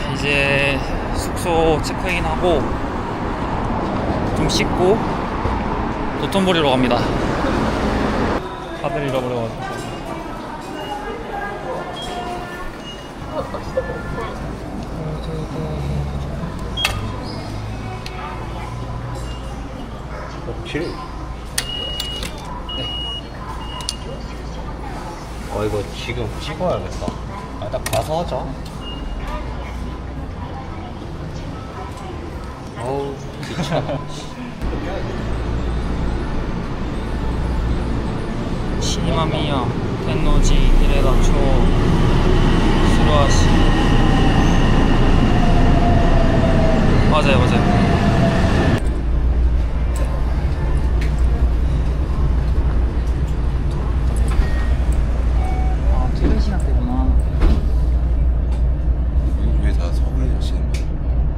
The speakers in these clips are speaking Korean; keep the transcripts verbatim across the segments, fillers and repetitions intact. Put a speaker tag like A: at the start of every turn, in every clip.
A: 이제 숙소 체크인하고 좀 씻고 도톤보리로 갑니다. 다들 잃어버려가지고.
B: 칠. 네. 어 이거 지금 찍어야겠다. 아, 딱 가서 하자. 어우 미쳐.
A: 시마미야 텐노지 이레다초 스루아시. 맞아요 맞아요. 아 퇴근 시간 때구나.
C: 왜 다 서울에 계시는 거야?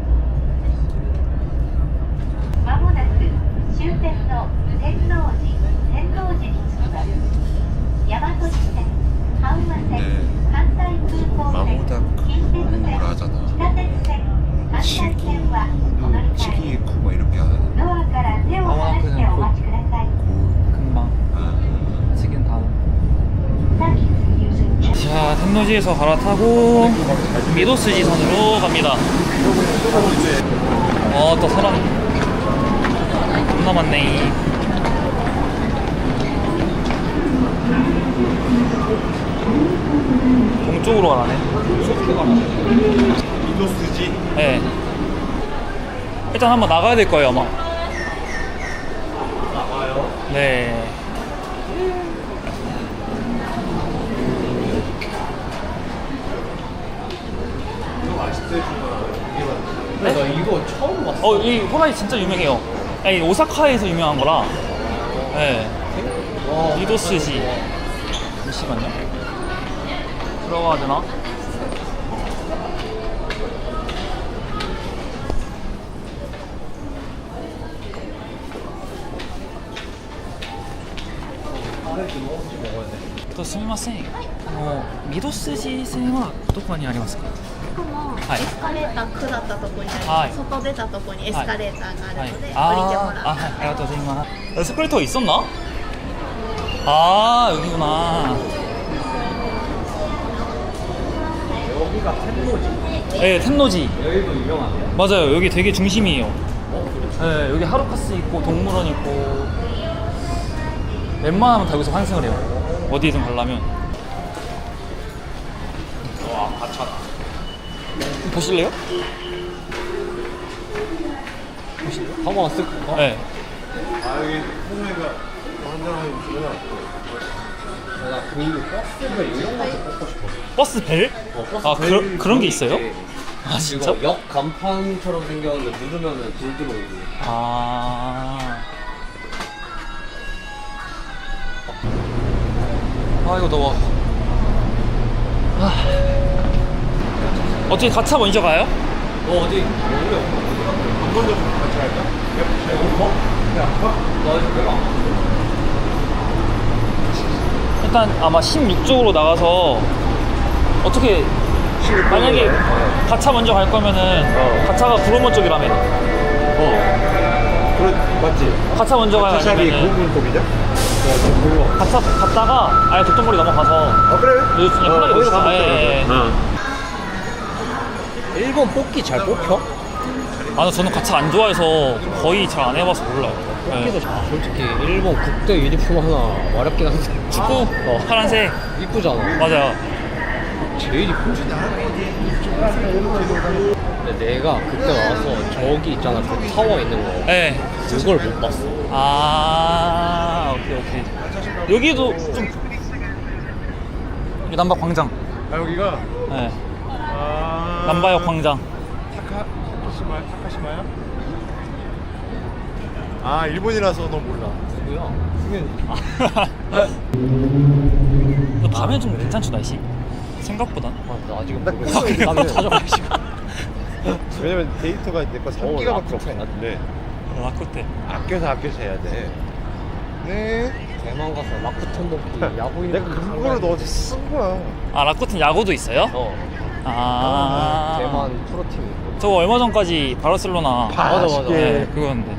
D: まもなく終点の天王寺天王寺に着きます。大和路線、阪和線、
C: 네.
D: 関西空港線、
C: 마모다크
D: 近鉄
C: 뭐라
D: 線、
C: 하잖아.
D: 北鉄線、関西線はお乗り換え
C: 치기쿠 뭐 이렇게 하는
D: ドアから手を離してお待ちください。
C: 고.
A: 금방
C: 아,
A: 지금 다음.
D: Thank you.
A: 자 텐노지에서 갈아타고 미도스지선으로 갑니다. 어 또 사람 겁나 많네. 동쪽으로 가라네.
C: 미도스지?
A: 네. 일단 한번 나가야 될 거예요 아마.
B: 나가요.
A: 네.
B: 이거 맛있대 주더라. 근데 나 이거 처음 봤어.
A: 어, 이 호라이 진짜 유명해요. 아니, 오사카에서 유명한 거라. 네.
B: 와,
A: 미도스지. 잠시만요. 들어가야 되나? 또すみません。あのミドスジ線はどこにありますか？
E: この
A: はい
E: エスカレーター下ったところにあります、
A: はい
E: 外出たところにエスカレーターがあるので、
A: あ
E: 降りてもらう。
A: ーあ、はい、ありがとうございます。에스컬레이터가 있었나? 아, 여기구나.
B: 여기가 텐노지.
A: 네, 텐노지.
B: 여기도 유명하네요.
A: 맞아요. 여기 되게 중심이에요.
B: 어, 그래.
A: 네, 여기 하루카스 있고 동물원 있고 웬만하면 다 여기서 환승을 해요. 어디든 가려면.
B: 와, 가차다.
A: 보실래요?
B: 한번 쓱 볼까?
A: 네.
C: 아, 여기 홍해가 한잔하는구나.
B: 나그 버스를 이런 것도 뽑고 싶어.
A: 버스 벨?
B: 어, 버스
A: 아,
B: 벨
A: 그런 그런 게 있어요?
B: 있지.
A: 아, 진짜?
B: 이거 역 간판처럼 생겼는데 누르면은 불 들어오고.
A: 아. 아, 이거 더워. 아. 어떻게 가차 먼저 가요?
B: 너 어디 여기
C: 한 번 더 같이 할까?
B: 어? 나 이거 배가 안
A: 일단 아마 십육 쪽으로 나가서 어떻게 만약에 가차 먼저 갈 거면은
C: 어.
A: 가차가 구로모 쪽이라며.
C: 어. 그래, 맞지?
A: 가차 먼저 가야
C: 차샵이
A: 되면은
C: 구분법이죠?
A: 가차 갔다가 아예 도톤보리 넘어가서
C: 아, 그래?
A: 여기 그냥 편하게
C: 거기서
A: 놓자.
C: 가면
A: 예,
C: 돼.
A: 예, 예.
C: 어.
B: 일본 뽑기 잘 뽑혀?
A: 아, 저는 가차 안 좋아해서 거의 잘 안 해봐서 몰라요.
B: 뽑기도
A: 예.
B: 잘. 솔직히 일본 국대 유니폼 하나 마렵긴 한데.
A: 축구
B: 어.
A: 파란색
B: 이쁘잖아.
A: 맞아요.
B: 제일 이쁘지. 근데 내가 그때 와서 저기 있잖아 그 타워 있는 거
A: 네.
B: 그걸 못 봤어.
A: 아, 오케이 오케이. 여기도 좀 여기 남바 광장.
C: 아, 여기가?
A: 네.
C: 아.
A: 남바역 광장.
C: 타카, 타카시마야? 타카시마야? 아, 일본이라서 너 몰라.
B: 누구야?
A: 근데 밤에 좀 괜찮죠 날씨? 생각보단.
B: 아, 나 아직
C: 나
B: 모르겠어.
C: 그거
B: 나도 찾아봐야지.
C: 왜냐면 데이터가 내거 삼
B: 어,
C: 기가밖에
B: 라쿠텐.
C: 없었는데
A: 라코테.
C: 아껴서 아껴서 해야 돼. 네.
B: 대만 가서 라쿠텐 먹기 야구인.
C: 내가 그거를 너한테 쓴 거야.
A: 아, 라코텐 야구도 있어요?
B: 어.
A: 아.
B: 대만 유명한 프로팀이 있고.
A: 저거 얼마 전까지 바르셀로나.
C: 맞아, 맞아.
A: 네, 그거였는데.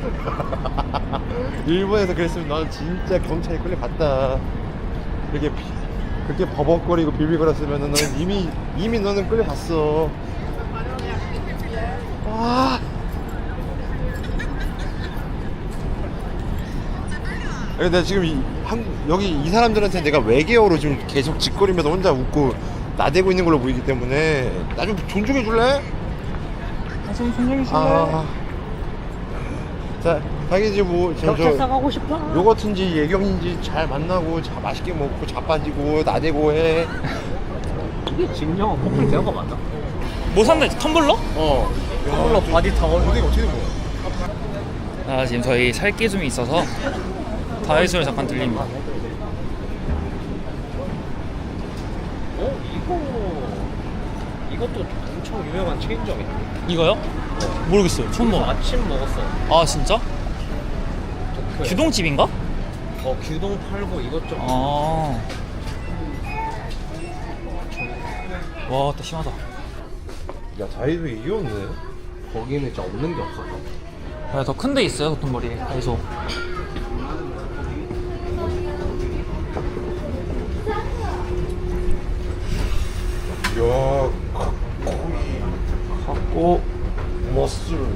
C: 일본에서 그랬으면 나는 진짜 경찰에 끌려갔다. 그렇게 비, 그렇게 버벅거리고 비비거렸으면 너는 이미 이미 너는 끌려갔어. 와. 아니, 내가 지금 이, 한, 여기 이 사람들한테 내가 외계어로 지금 계속 짓거리면서 혼자 웃고 나대고 있는 걸로 보이기 때문에 나 좀 존중해 줄래?
A: 아, 좀 존중해주세요.
C: 아. 자, 자기 뭐 저, 저
A: 가고 싶어.
C: 요거트인지 예경인지 잘 만나고 자, 맛있게 먹고 자빠지고 나대고 해.
B: 이게 직령 커플 대화가 맞나?
A: 뭐 샀나? 텀블러?
C: 어.
B: 텀블러 바디 타월.
C: 어디 어떻게 된 거야?
A: 아, 지금 저희 살 게 좀 있어서 다이소를 잠깐 들립니다.
B: 어? 이거 이것도 엄청 유명한 체인점인데.
A: 이거요? 모르겠어요. 처음
B: 이거
A: 먹어.
B: 아침 먹었어.
A: 아, 진짜?
B: 도쿄에.
A: 규동집인가?
B: 어 규동 팔고 이것저것.
A: 아. 와, 또 심하다.
C: 야, 다이소 이게 없네.
B: 거기는 진짜 없는 게 없었어.
A: 아, 더 큰 데 있어요, 도톤보리. 다이소.
C: 야,
A: 갖고
C: 머슬.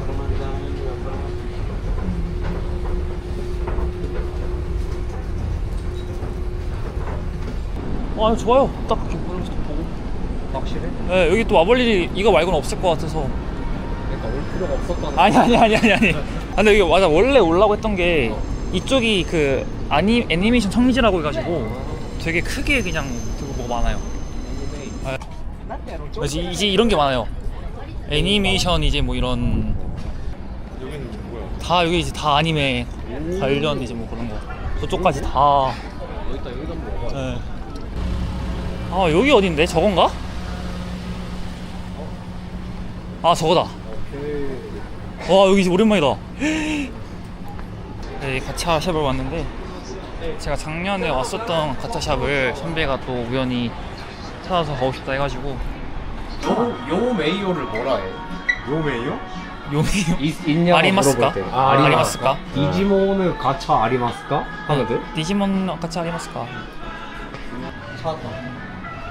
A: 아, 좋아요. 딱 이렇게 보면서 보고.
B: 확실해?
A: 네, 여기 또 와볼 일이 이거 말고는 없을 것 같아서.
B: 그러니까 올 필요가 없었다는.
A: 아니 아니 아니 아니 아니. 아, 근데 여기 맞아, 원래 올라고 했던 게 이쪽이 그 아니 애니메이션 청지라고 해가지고 되게 크게 그냥 되게 뭐가 많아요. 아, 이제 이제 이런 게 많아요. 애니메이션 이제 뭐 이런
C: 여기는 뭐야?
A: 다 여기 이제 다 아니메 관련 이제 뭐 그런 거 저쪽까지 다.
B: 여기다 여기다 먹어.
A: 네. 아, 여기 어딘데? 저건가? 아, 저거다. 와, 여기 오랜만이다. 네, 가차 샵을 왔는데 제가 작년에 왔었던 가차 샵을 선배가 또 우연히 찾아서 가고 싶다 해가지고.
B: 요, 요 메이오를 뭐라 해?
C: 요메이요?
A: 요미요?
B: 있, 있냐고
A: 아리마스까?
B: 물어볼 때.
A: 아, 아리마스까?
B: 디지몬은 가차 아리마스까? 하거든?
A: 디지몬 가차 아리마스까?
B: 찾았다.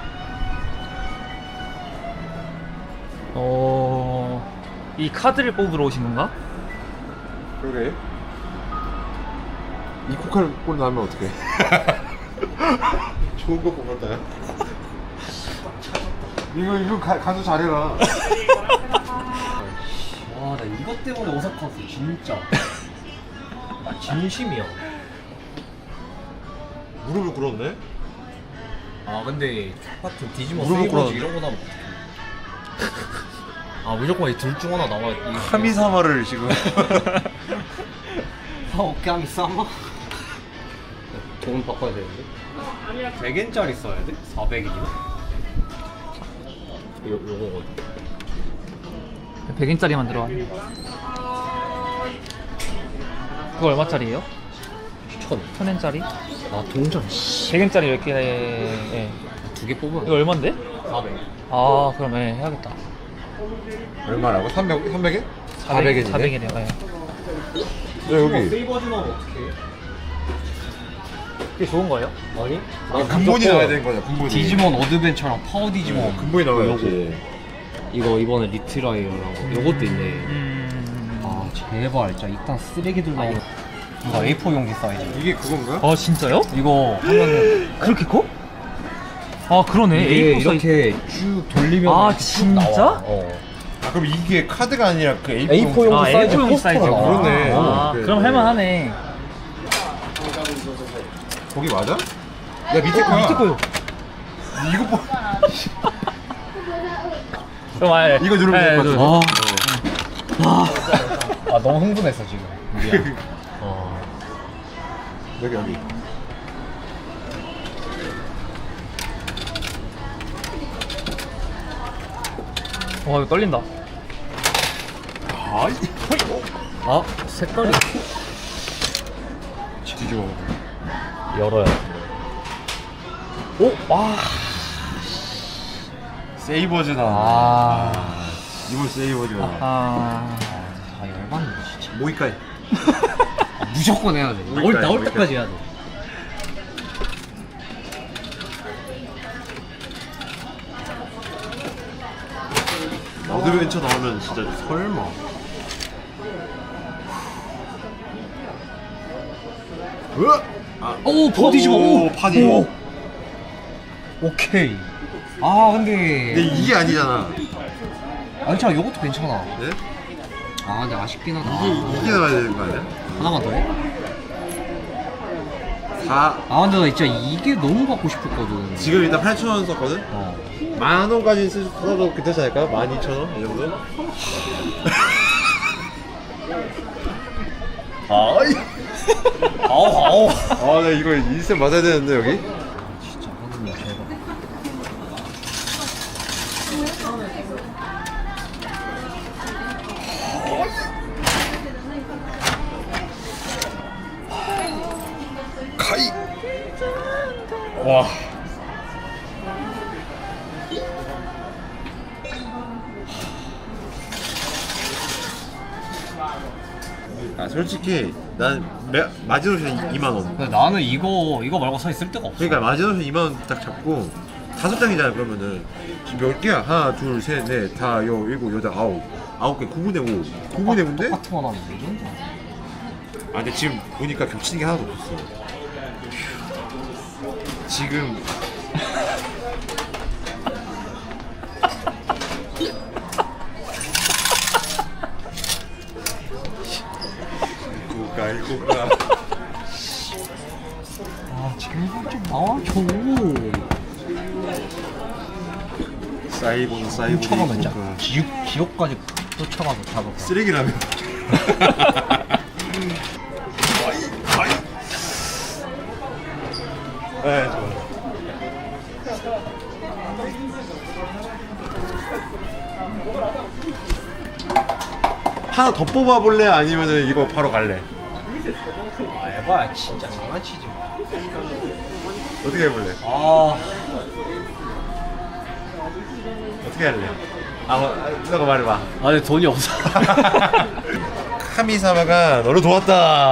A: 어... 이 카드를 뽑으러 오신 건가?
C: 그래? 이 코카를 꼴 나면 어떡해? 좋은 거 뽑았다. 이거 이거 가, 가서 잘해라.
B: 와, 나 이것 때문에 오사카 왔어, 진짜. 아, 진심이야.
C: 무릎을 꿇었네?
B: 아, 근데 똑같은 디지몬
C: 무릎을
B: 세이버즈
C: 꿇었는데?
B: 이런 거 나면 어떡해. 아, 무조건 이 둘 중 하나 나와.
C: 카미사마를 지금.
B: 아, 오케이, 싸마? 돈 바꿔야 되는데? 백 엔짜리 써야 돼? 사백 엔이나? 요, 요거
A: 백 엔짜리만 들어왔네. 그거 얼마짜리예요?
B: 천.
A: 천 엔짜리?
B: 아, 동전.
A: 백 엔짜리 몇 개에.
B: 두 개 뽑으면
A: 이거 얼만데?
B: 사백.
A: 아, 그럼 예, 해야겠다.
C: 얼마라고? 삼백, 삼백 엔?
A: 사백 엔이네. 사백 엔이요. 예.
C: 야, 여기.
B: 세이버즈 나오면 어떡해?
A: 그게 좋은 거예요?
B: 아니?
C: 아, 근본이 나와야 되는 거냐, 근본이.
B: 디지몬 어드벤처랑 파워 디지몬.
C: 어, 근본이 나와야지.
B: 이거 이번에 리트라이어라고. 요것도 있네.
A: 음.
B: 아, 제발. 진짜 이딴 쓰레기들 나오는. 이거 에이 사 용기 사이즈.
C: 이게 그건가?
A: 아, 진짜요?
B: 이거 하면은
A: 그렇게 커? 아, 그러네.
B: 이게
A: 에이 사 사이즈.
B: 이렇게 쭉 돌리면
A: 아,
B: 이렇게 쭉
A: 진짜?
B: 나와. 어.
C: 아, 그럼 이게 카드가 아니라 그 에이 사
B: 에이 사 용기
A: 아,
B: 사이즈
A: 에이 사 용기
B: 포스터가
A: 사이즈가.
B: 나와.
C: 그러네.
A: 아,
C: 그래,
A: 그럼
C: 그래.
A: 할만하네.
C: 거기 맞아? 야, 밑에 거야.
A: 밑에 거요.
C: 이거 뭐.
A: 그럼 아예
C: 이거 누르면
A: 예,
C: 될것 같아.
A: 누르-
B: 아, 너무 흥분했어 지금. 미안. 어.
C: 여기, 여기.
A: 와, 이거 떨린다.
C: 아,
B: 아, 색깔이
C: 뒤집어.
B: 열어야.
A: 오, 와.
C: 세이버즈다.
B: 아,
C: 이번 세이버즈다.
A: 아,
B: 아 열받네 진짜.
C: 모이카이.
B: 아, 무조건 해야 돼. 나올,
C: 모이카이,
B: 나올
C: 모이카이.
B: 때까지 해야 돼.
C: 어드벤처 나오면 진짜 설마. 으아! 아,
B: 오 버디지
C: 오,
B: 오
C: 파디.
B: 오. 오케이. 아 근데.
C: 근데 이게 아니잖아.
B: 아 괜찮아 요것도 괜찮아.
C: 네?
B: 아 근데 아쉽긴 하다.
C: 이게 이게 나와야 되는 거 아니야?
B: 하나만 더 해?
C: 사.
B: 아 근데 나 진짜 이게 너무 갖고 싶었거든.
C: 지금 일단 팔천 원 썼거든.
B: 어.
C: 만 원까지 쓰- 써도 괜찮지 않을까? 만 이천 원? 이 정도? 아이.
B: 아우 아우.
C: 아, 나 이거 인생 맞아야 되는데, 여기?
B: 진짜 하느님 제발.
C: 카이! 와. 아, 솔직히, 난 매, 마지노션 이만 원.
B: 근데 나는 이거 이거 말고 사실 쓸 데가 없어.
C: 그러니까 마지노션 이만 원 딱 잡고, 다섯 장이잖아, 그러면은. 지금 몇 개야? 하나, 둘, 셋, 넷, 다, 여, 일곱, 여덟, 아홉. 아홉 개, 구분의 오. 구분의 오인데?
B: 똑같은 거 나는 레전드.
C: 아, 근데 지금 보니까 겹치는 게 하나도 없었어. 지금. 이거가, 이거가.
B: 아 제발 좀 나와줘.
C: 사이버는 사이버.
B: 쫓아가면 진짜 지옥 지옥까지 쫓아가서 잡아.
C: 쓰레기라며. 네, 좋아. 하나 더 뽑아볼래? 아니면은 이거 바로 갈래?
B: 아 에바야 진짜 장난치지 마.
C: 어떻게 해볼래?
B: 아
C: 어떻게 할래? 아, 뭐, 너가 말해봐.
B: 아니 돈이 없어.
C: 카미사마가 너를 도왔다.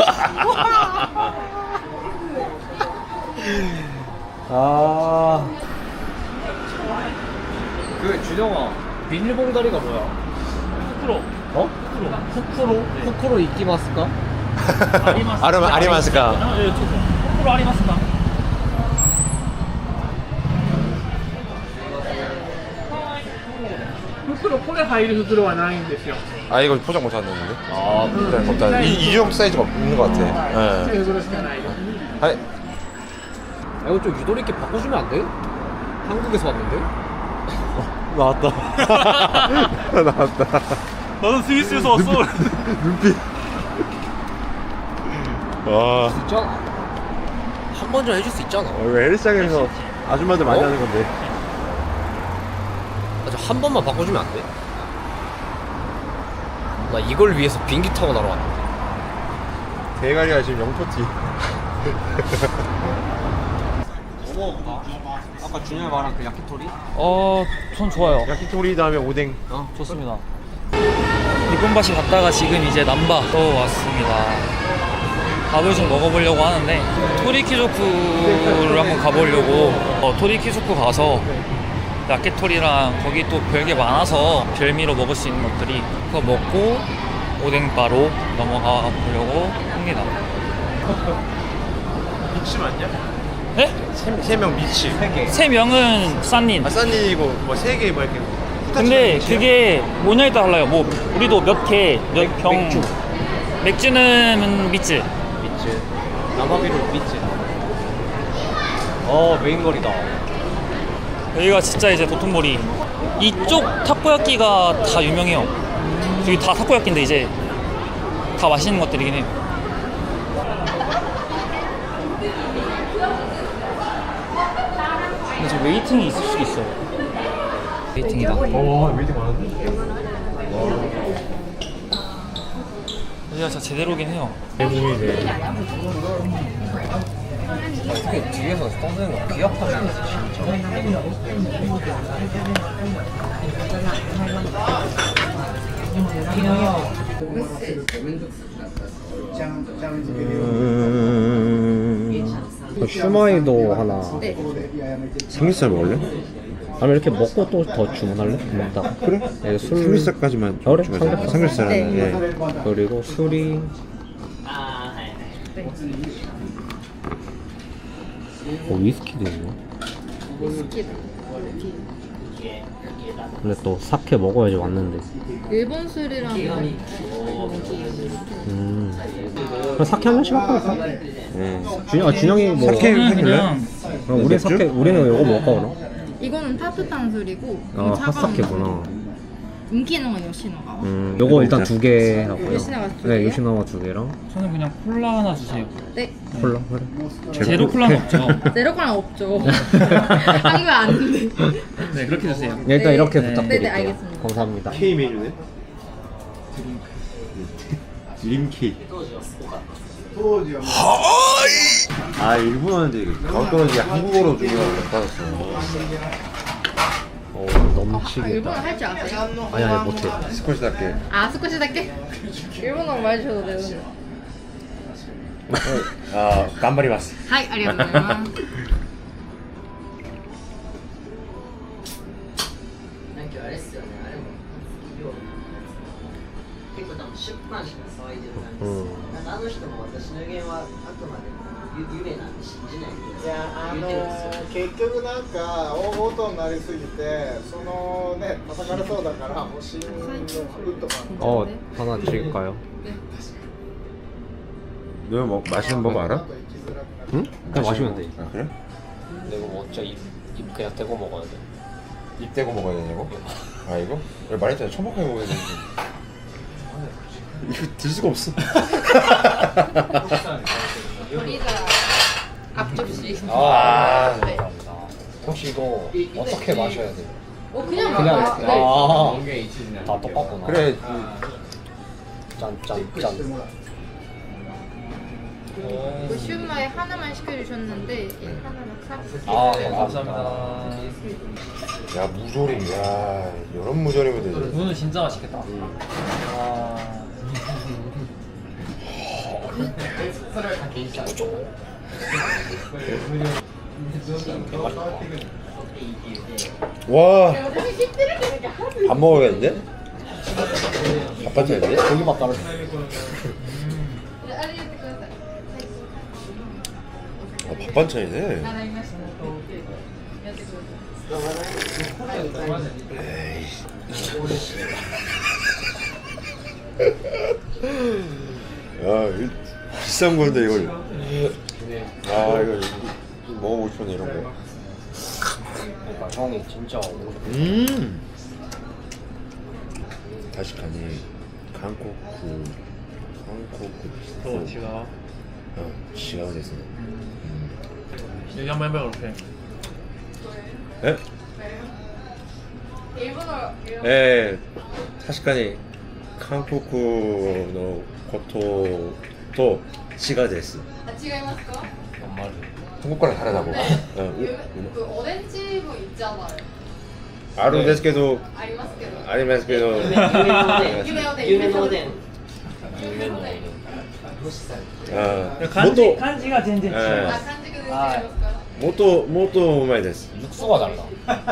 B: 아. 그 준영아 비닐봉다리가 뭐야?
A: 프로.
B: 어? 후쿠로? 후쿠로 이끼마스까?
C: 아르마- 아리마스카.
A: 아, 예, 저 프로 아리마스카.
F: 袋これ入る袋はないんですよ。
C: 아, 이거 포장 못 하는데?
B: 아
C: 일단 없다. 이, 이 정도 사이즈가 없는 것 같아. 네.
F: 袋しかないです。
C: 하이.
B: 아, 이거 좀 유도리 있게 바꿔주면 안 돼? 한국에서 왔는데?
C: 나왔다. 나왔다.
A: 나는 스위스에서 왔어.
C: 눈빛. 와.
B: 진짜 한 번 좀 해줄 수 있잖아.
C: 어, 이거 헬스장에서 아줌마들 많이
B: 어?
C: 하는 건데.
B: 아, 저 한 번만 바꿔주면 안 돼? 나 이걸 위해서 비행기 타고 나러 왔는데.
C: 대가리가 지금 영토티.
B: 뭐 먹어볼까? 아까 준영이 말한 그 야키토리?
A: 어, 전 좋아요.
C: 야키토리 다음에 오뎅.
B: 어
A: 좋습니다. 이쁜바시 갔다가 지금 이제 남바 또 왔습니다. 밥을 좀 먹어보려고 하는데 토리키조쿠를 한번 가보려고. 어, 토리키조쿠 가서 야끼토리랑 거기 또 별게 많아서 별미로 먹을 수 있는 것들이 그거 먹고 오뎅바로 넘어가 보려고 합니다.
C: 미치 맞냐?
A: 네?
C: 세명 미치. 세 개.
A: 세 명은 싼닌.
C: 아싸니고 뭐 세 개 뭐 이렇게.
A: 근데 그게 뭐냐에 따라 달라요. 뭐 우리도 몇 개, 몇 병.
B: 맥주.
A: 맥주는 미츠.
B: 미츠 남아비로 미츠. 어 메인거리다.
A: 여기가 진짜 이제 도톤보리. 이쪽 타코야끼가 다 유명해요. 여기 다 타코야끼인데 이제 다 맛있는 것들이긴 해요. 근데 지금 웨이팅이 있을 수도 있어요. 웨이팅이다.
C: 와, 웨이팅 많은데?
A: 여기가 진짜 제대로긴 해요.
C: 대부분이네.
B: 어떻게 뒤에서 떠드는 거 기억하지 않았어 진짜. 슈마이도 하나.
E: 네.
C: 삼겹살 먹을래?
B: 아니면 이렇게 먹고 또 더 주문할래? 먹다가.
C: 그래?
B: 네, 술.
C: 삼겹살까지만
B: 그래?
C: 주문하자.
B: 삼겹살.
C: 삼겹살 하나.
E: 네.
C: 예.
B: 그리고 술이. 어, 위스키도 있네.
E: 위스키다.
B: 근데 또 사케 먹어야지 왔는데.
E: 일본 술이랑
B: 음. 그럼 사케 한 잔씩 할까?
C: 예.
B: 준영, 아, 준영이 뭐.
C: 사케
A: 저는
C: 할래?
A: 그냥
B: 그럼 우리 사케, 우리는 이거 먹을까, 그럼?
E: 이거는 타투탄 술이고
B: 아, 핫사케구나.
E: 인기는 건 요시노가.
B: 음, 요거 일단 두 개 하고요.
E: 요시나와 두
B: 네,
E: 개요?
B: 요시나와 두 개랑
A: 저는 그냥 콜라 하나 주세요.
E: 네.
B: 콜라, 그래.
A: 제로 콜라는 없죠.
E: 제로콜라 없죠. 하기면 안 돼.
A: 네, 그렇게 주세요.
B: 네, 일단
E: 네.
B: 이렇게
A: 네.
B: 부탁드릴게요.
E: 네, 네, 알겠습니다.
B: 감사합니다.
C: K 메뉴네. 드림키. 아 일본어인데 가고 떨어지게 한국어로 주문하고 못 받았어.
B: 어,
E: 아,
B: 넘치겠다.
E: 일본어 할 줄 아세요?
B: 아니, 아니, 못해.
C: 스쿼시답게.
E: 아, 스쿠시다케? 일본어 말해줘도 되는데.
C: 아 간바리마스.
E: 하이, 아리가토 고자이마스.
G: なんかあれっすよね、あれも企業結構多分出版社が騒いでる感じです、
B: うん
G: なんかあの人も私の予言はあくまでもゆ夢なんで信じないで
H: いやあの
G: 言ってるんですよ
H: 結局なんか大ごとになりすぎてそのね叩かれそうだからもう信用とか
B: 어, 하나 드릴까요?
C: 너 뭐 마시는 법 알아?
B: 응? 그냥 마시면 돼.
C: 아 그래?
B: 근데 이거 뭐 진짜 입, 입 그냥 대고 먹어야 돼.
C: 입 대고 먹어야 되냐고? 아 이거? 내가 말했잖아 처먹하게 먹어야 되는데 이거 들 수가 없어.
E: 우리가 앞접시.
B: 아,
E: 네.
B: 감사합니다. 혹시 이거 어떻게 마셔야 돼?
E: 어, 그냥
B: 그냥
E: 막-
B: 이렇게.
E: 네.
B: 아, 다 똑같구나.
C: 그래
B: 짠, 짠, 짠.
E: 그 슈마에 하나만 시켜주셨는데 이 하나만 사.
B: 아,
E: 네.
B: 감사합니다.
C: 야 무조림 야 이런 무조림이 되지.
A: 이거는 진짜 맛있겠다. 아,
C: 와 밥 먹어야겠는데? 밥 반찬인데?
B: 고기밥 따로.
C: 아, 밥 반찬이네. 야, 이 비싼 건데 이걸. 아, 이거 먹어보고 싶네 이런 거.
B: 그러니까 형이 진짜 오고 싶어.
C: 음. 다시카니 한국 그 한국 그
A: 지가
C: 어, 시간 됐어.
A: 여기 한번 해봐요, 이렇게.
C: 에?
E: 일본어.
C: 에, 다시카니 한국のことと違うです.
E: 아,違いますか?
B: 정말.
C: 한국 거랑 다르다고. 어,
E: 그 오렌지 뭐 있잖아요.
C: あるんですけど
E: ありますけど.
C: ありますけど
G: 夢のおでん
E: 夢おでん。
G: 夢のおでん
E: 夢のおでん。
C: あー
A: 漢字
C: もっと
A: 漢字が全然違い
C: え
A: ます。
E: あ、漢字が出てきますか?
C: もっともっとうまいです
B: 육수가 달라.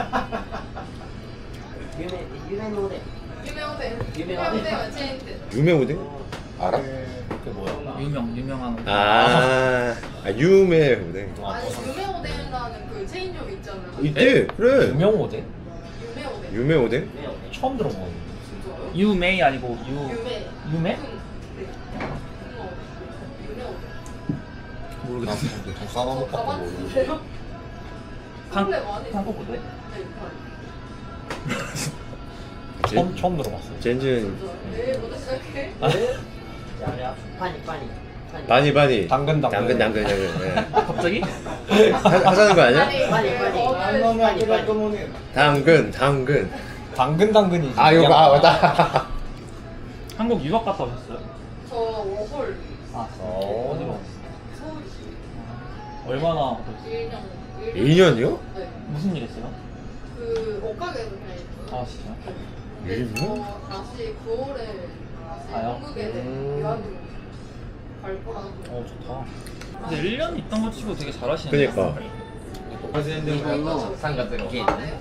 G: 夢夢のおでん
E: 夢おでん。
G: 夢おでん
E: 夢おでんはチェーン店。
C: 유명 오뎅? 알아?
B: 그게 뭐야?
A: 유명 유명한 오뎅.
C: 아, 아 유명 오뎅
E: 아니,夢おでん라는 그 체인점 있잖아요.
C: 있대 그래
B: 유명 오뎅?
E: 유메 오뎅.
C: 유명 오뎅?
B: 처음 들어보는.
E: 진짜요?
A: 유메이 아니고 유
E: 유메.
A: 유메?
E: 큰. 네. 큰 오뎅. 유메 오뎅.
A: 모르겠어.
B: 좀 싸먹고
E: 가봤는데요?
A: 한
E: 원래 많이
A: 한국 오뎅?
E: 네,
B: 처음 처음 들어봤어.
C: 젠진
E: 네, 먼저 시작해.
G: パニパニ
C: 바니 바니
B: 당근, 당근.
C: 당근 당근 당근 예.
A: 갑자기?
C: 하, 하자는 거 아니야?
E: 아니,
G: 빨리, 빨리.
E: 그
H: あの
E: 어느
H: 脈絡もね
C: 당근 당근
B: 당근 당근이지.
C: 아 이거 아 맞다
A: 한국 유학 갔다 오셨어요?
E: 저 워홀
A: 아,
B: 어.
A: 어디로?
E: 서울.
A: 얼마나
C: 이 년이요?
E: 네.
A: 무슨 일 했어요?
E: 그 옷가게에서 그냥 있어요.
A: 아 진짜?
C: 일 년?
E: 어, 다시 구월에 다시
A: 가요?
E: 한국에
C: 음.
E: 유학으로 갈 거라고.
A: 어 좋다. 근데 일 년 있던 거 치고 되게 잘하시네.
C: 그니까.
G: 日本のさんがつのゲームね。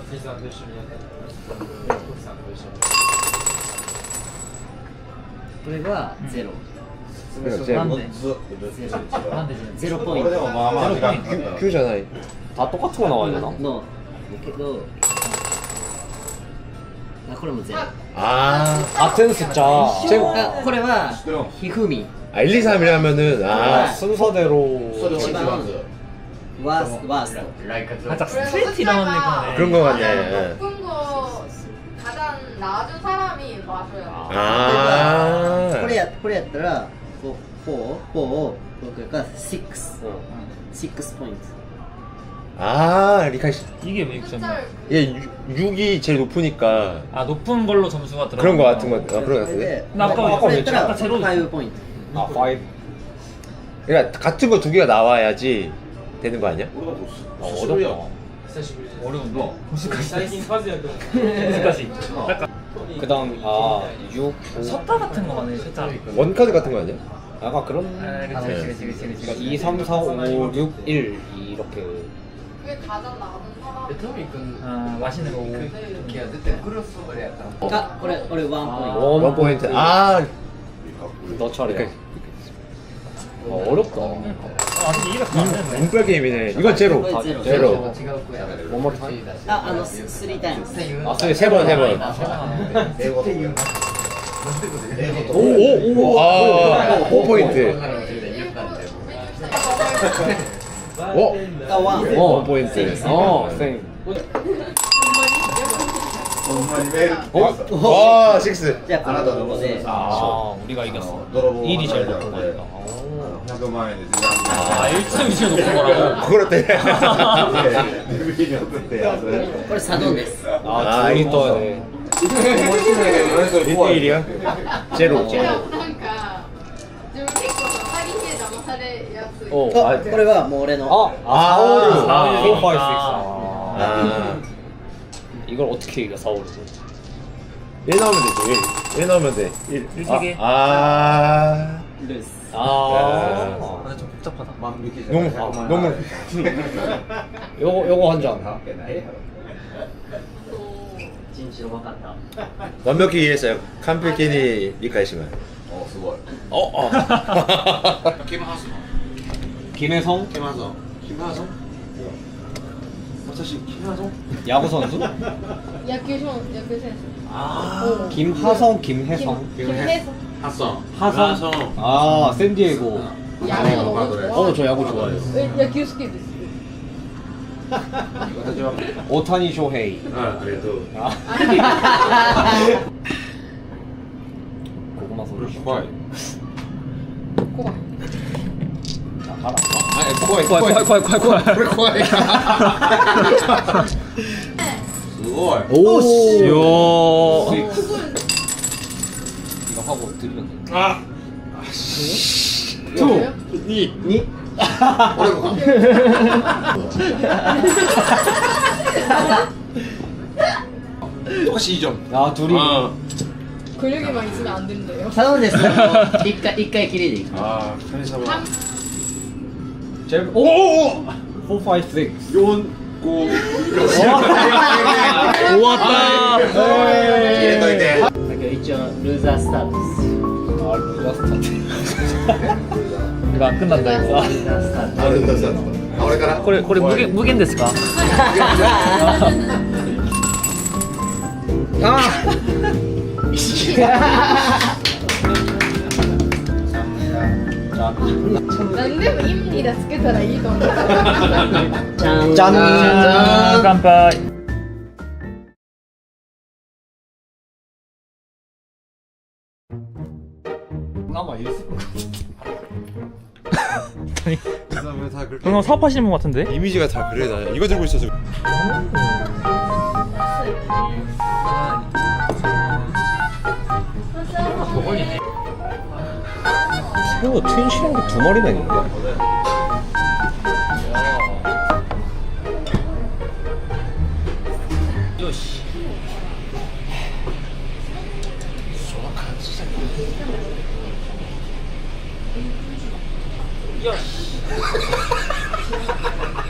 G: これはゼロ。
A: なんで
B: ず
G: ゼロ。
A: なんで
G: ゼロポイント。
H: でもまあまあ時間かかる
C: 큐잖아.
B: 다 똑같은 거 나와야 되나?
G: のだけど、あこれもゼロ。
C: 아,
B: 같은 숫자.
G: あこれはひふみ。
C: 아 일, 이, 삼이라면은
B: 아,
C: 아,
B: 순서대로
G: 一番ワーストワースト。
A: 살짝 스트레이트 나온 느낌이네.
C: 그런 거 같네.
E: 높은 거 가장 낮은 사람이 마셔요.
C: 아.
G: これやこれやったらフォーフォーフォー僕がシックスシックスポイント。
C: 아, 리카씨.
A: 이게 왜 육점이야?
C: 얘 육이 제일 높으니까
A: 아 높은 걸로 점수가 들어.
C: 그런 거 같은 거. 아, 그런 거
G: それ
C: 같은데.
G: で
A: 나 아까
G: これやったら
A: 아까 제로
G: ファイブポイント。
B: 아, 파이브.
C: 그러니까 같은 거 두 개가 나와야지 되는 거 아니야?
B: 아, 어렵다.
A: 어려운데. 무식하시. 무식하시. 약간
B: 그다음 아, 육.
A: 섰다 같은 거 같네 살짝.
C: 원카드 같은 거 아니야?
B: 약간 그런.
A: 아 그치 그치 그치 그치.
B: 그러니까 이, 삼, 사, 오, 육, 일 이렇게.
E: 그게 가장 낮은 사람.
A: 아 맛있는 거고.
G: あこれ俺ワンポイント。
C: 원 포인트. 아,
B: 너 차례.
C: 그러니까
B: 아, 어렵다.
A: 아 아직 이렇게 안 되네.
C: 운빨 게임이네. 이건 제로.
G: これゼロ。
C: 제로.
B: One more time.
G: ああのスリータイムス。
B: 아,
C: 세, 세 번, 세 번.
B: 오, 오, 오.
C: 아, 오 포인트. 어?
G: あワン。
C: 원 포인트.
B: 어, 쌩.
C: 와, 식스.
G: じゃあこのとこで
A: 아 우리가 이겼어.
H: い
A: 일이 제일 높은 거니까.
H: ひゃくまん円で
A: 아 일 점이 제일 높은 거라고.
C: 그렇대.
H: ビデオ撮ってやつ
G: これサドンです。
B: 아, 둘이 떠야 돼.
C: 일 일이야? 제로.
E: なんか自分結構さ詐欺で騙されやすい。
B: 어,
G: あ
B: 아,
G: これはもう俺の。
B: 아, 아,
C: 아,
B: 사, 오, 육.
A: 사, 오, 육.
B: 사, 오, 육.
C: 아.
B: 아. 이걸 어떻게 이겨, 사, 오, 육.
C: 일 나오면 되죠. 일. 일 나오면 돼. 일.
A: 일 세 개.
C: 아.
G: ルース。
B: 아.
A: 근데 좀 복잡하다.
C: 너무 너무
B: 요거, 요거 한 잔.
G: 一日分かった。
C: 완벽히 이해했어요. 캄필키니 리카이시만.
H: おすごい
C: 어, 어.
B: 김혜성?
H: 김하성 김하성? 사실 김하성?
B: 야구 선수?
E: 野球選野球選手。
H: 아
B: 김하성, 김혜성.
E: 김혜성.
H: 하성
B: 하성? 아, 샌디에고.
E: 야구 너무 좋아.
B: 어, 저 야구 좋아해요.
E: え野球好きです。
B: 오타니 쇼헤이.
H: あありがとう
B: 아. 고구마 소리.
H: 怖い
E: 怖い。
B: 자, 가라.
H: 怖い
A: 怖い怖い怖い怖い怖い。
H: これ怖いすごい
A: 오. 요.
B: 이거 하고 드리면 돼.
H: 아
E: 투.
H: 니 니?俺もか똑같이 이 점
B: 야, 둘이.
H: 아
E: 근육이만 있으면 안 된대요.
G: サドンです。一回一回きりでいく。
H: 아 카미사마
B: 제일, 오! 오! 사, 오, 육.
H: 요 고
A: 좋았다.
H: 入れといて
G: だけど一応ルーザースタートです。
B: 아, 루자 스타트.
A: 이거 안 끝난다 이거.
G: ルーザースタート。
H: あれださあ俺から
A: これこれ無限無限ですか?
B: 아! 자,
E: 何でも意味でつけたらいいと思う。
G: じゃん。
B: 짠!
A: 짠. 깜빡.
B: 남아 있을 것
C: 다 그렇게
A: 그럼 사업하시는 분 같은데?
C: 이미지가 다 그래. 나 이거 들고 있어서.
B: 새우 트윈 실한 게 두 마리나 있는데?
A: 야.